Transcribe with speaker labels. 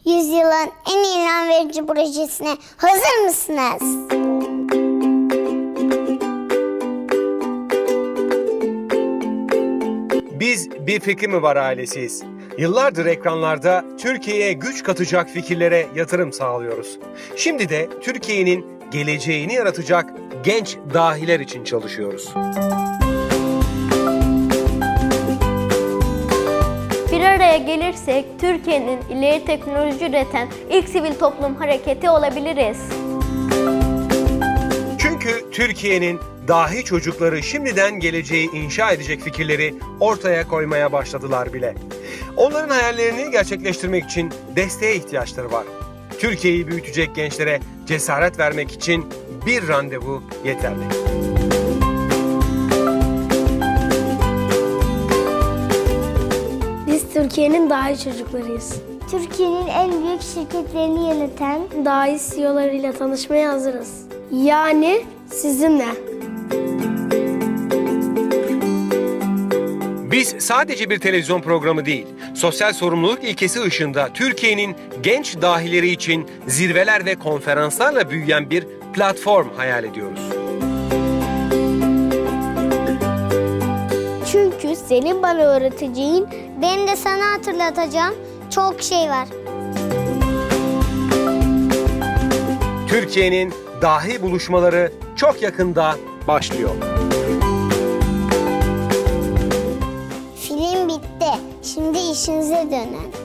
Speaker 1: Yüzyılın en ilham verici projesine hazır mısınız?
Speaker 2: Biz Bir Fikri Mi Var ailesiyiz. Yıllardır ekranlarda Türkiye'ye güç katacak fikirlere yatırım sağlıyoruz. Şimdi de Türkiye'nin geleceğini yaratacak genç dahiler için çalışıyoruz.
Speaker 3: Bir araya gelirsek Türkiye'nin ileri teknoloji üreten ilk sivil toplum hareketi olabiliriz.
Speaker 2: Çünkü Türkiye'nin dahi çocukları şimdiden geleceği inşa edecek fikirleri ortaya koymaya başladılar bile. Onların hayallerini gerçekleştirmek için desteğe ihtiyaçları var. Türkiye'yi büyütecek gençlere cesaret vermek için bir randevu yeterli.
Speaker 4: Biz Türkiye'nin dahi çocuklarıyız.
Speaker 1: Türkiye'nin en büyük şirketlerini yöneten
Speaker 4: Dahi CEO'larıyla tanışmaya hazırız. Yani sizinle.
Speaker 2: Biz sadece bir televizyon programı değil, sosyal sorumluluk ilkesi ışığında Türkiye'nin genç dahileri için zirveler ve konferanslarla büyüyen bir platform hayal ediyoruz.
Speaker 1: Çünkü senin bana öğreteceğin, benim de sana hatırlatacağım çok şey var.
Speaker 2: Türkiye'nin dahi buluşmaları çok yakında başlıyor.
Speaker 1: Film bitti. Şimdi işinize dönün.